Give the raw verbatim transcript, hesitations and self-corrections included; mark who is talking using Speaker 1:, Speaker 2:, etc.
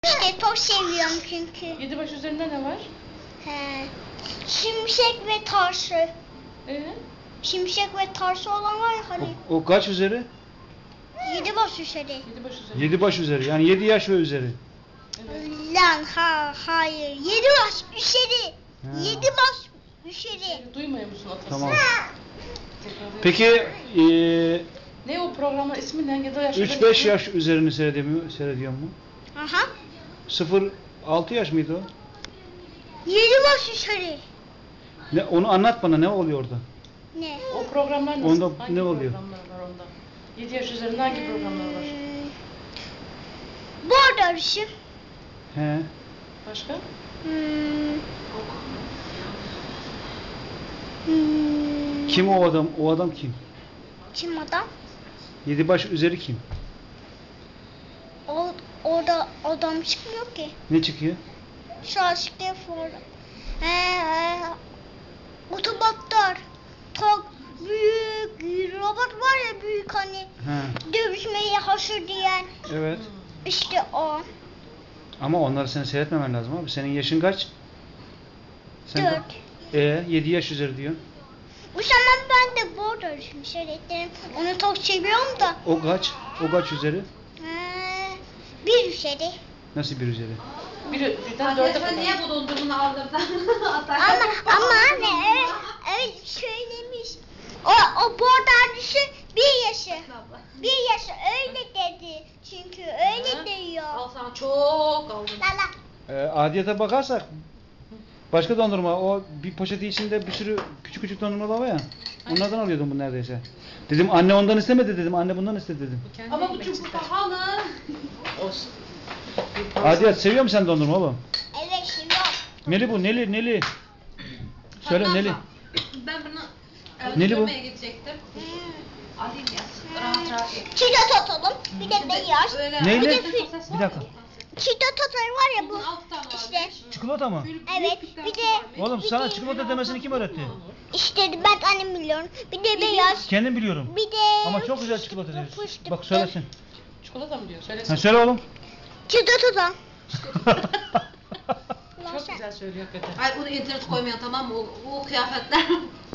Speaker 1: İşte çok seviyorum çünkü.
Speaker 2: Yedi baş üzerinde ne var?
Speaker 1: He. Şimşek ve taşı.
Speaker 2: Ee?
Speaker 1: Şimşek ve taşı olan var ya hani.
Speaker 3: O, o kaç üzeri?
Speaker 1: Yedi baş üzeri.
Speaker 2: Yedi baş üzerinde.
Speaker 3: Yedi baş üzeri. Yani yedi yaş ve üzeri.
Speaker 2: Evet.
Speaker 1: Lan ha hayır. Yedi baş üzeri.
Speaker 3: Ha.
Speaker 1: Yedi baş üzeri.
Speaker 2: Duymuyor musun atasını?
Speaker 3: Tamam.
Speaker 2: Tekrar
Speaker 3: Peki eee
Speaker 2: ne o programın ismi ne? Yedi yaş
Speaker 3: üç beş yaş üzerini seyrediyor, seyrediyor mu?
Speaker 1: Aha.
Speaker 3: sıfır altı yaş mıydı o?
Speaker 1: Yedi baş üzeri.
Speaker 3: Ne, onu anlat bana, ne oluyor orada?
Speaker 1: Ne?
Speaker 2: O programlar nasıl?
Speaker 3: Onda
Speaker 2: hangi
Speaker 3: ne oluyor?
Speaker 2: programlar var onda? Yedi yaş üzerinde hangi programlar var?
Speaker 1: Hmm. Bu arada
Speaker 3: He.
Speaker 2: Başka?
Speaker 1: Hmm. Hmm.
Speaker 3: Kim o adam? O adam kim?
Speaker 1: Kim adam?
Speaker 3: Yedi baş üzeri kim?
Speaker 1: O, orada adam çıkmıyor ki.
Speaker 3: Ne çıkıyor?
Speaker 1: Şu aşkta for. He he. Otobotlar. Çok büyük robot var ya, büyük hani.
Speaker 3: He.
Speaker 1: Dövüşmeye hazır diyen.
Speaker 3: Evet.
Speaker 1: İşte o.
Speaker 3: Ama onları sen seyretmemen lazım abi. Senin yaşın kaç? Sen
Speaker 1: Dört.
Speaker 3: E yedi yaş üzeri diyor.
Speaker 1: Bu zaman ben de bu arada seyrettim. Onu çok seviyorum da.
Speaker 3: O kaç? O kaç üzeri?
Speaker 1: He, bir üzeri.
Speaker 3: Nasıl bir üzeri?
Speaker 2: Bir, birden dörde
Speaker 4: Arkadaşlar
Speaker 2: kadar.
Speaker 4: niye bu dondurmanı aldırdın?
Speaker 1: Ama ama anne öyle, öyle söylemiş. O o bordacısı bir yaşı. Bir yaşı öyle dedi. Çünkü öyle diyor.
Speaker 4: Al sana çok aldım.
Speaker 1: Lala.
Speaker 3: E, adiyete bakarsak başka dondurma, o bir poşeti içinde bir sürü küçük küçük dondurmalar var ya. Onlardan alıyordum bu neredeyse. Dedim anne ondan istemedi dedim. Anne bundan istedi dedim.
Speaker 2: Bu kendi
Speaker 4: Ama bu
Speaker 2: yemek
Speaker 4: çok
Speaker 2: ister.
Speaker 4: pahalı.
Speaker 2: Olsun.
Speaker 3: Adiyet seviyor musun sen dondurma oğlum?
Speaker 1: Evet şimdi yok.
Speaker 3: Neli bu? Neli? Neli? Söyle
Speaker 4: Hatta
Speaker 3: Neli.
Speaker 4: Ben bunu
Speaker 3: Neli
Speaker 4: evde
Speaker 3: bu?
Speaker 4: görmeye gidecektim. Alayım ya. Rahat rahat ye.
Speaker 1: Çiğdem tatalım. Bir de beyaz.
Speaker 4: Öyle
Speaker 3: Neyle?
Speaker 1: Bir de
Speaker 4: Bir
Speaker 1: fil-
Speaker 3: Bir dakika.
Speaker 1: Çiğdem tatar var ya bu.
Speaker 4: Bunun altı tane var.
Speaker 1: İşte.
Speaker 3: Çikolata mı?
Speaker 1: Evet. Bir de
Speaker 3: Oğlum
Speaker 1: bir
Speaker 3: sana
Speaker 1: de-
Speaker 3: çikolata demesini kim öğretti?
Speaker 1: İşte ben annem biliyorum. Bir de beyaz.
Speaker 3: Kendim biliyorum.
Speaker 1: Bir de
Speaker 3: Ama çok güzel çikolata
Speaker 1: fıstıklı,
Speaker 3: diyorsun.
Speaker 1: fıstıklı.
Speaker 3: Bak söylesin.
Speaker 2: Çikolata mı diyor? Söylesin.
Speaker 3: Ha, söyle oğlum.
Speaker 1: Çiğdem tatar.
Speaker 2: Çok güzel söylüyor hakikaten.
Speaker 4: Ay onu internet koymayan tamam mı? O, o kıyafetler.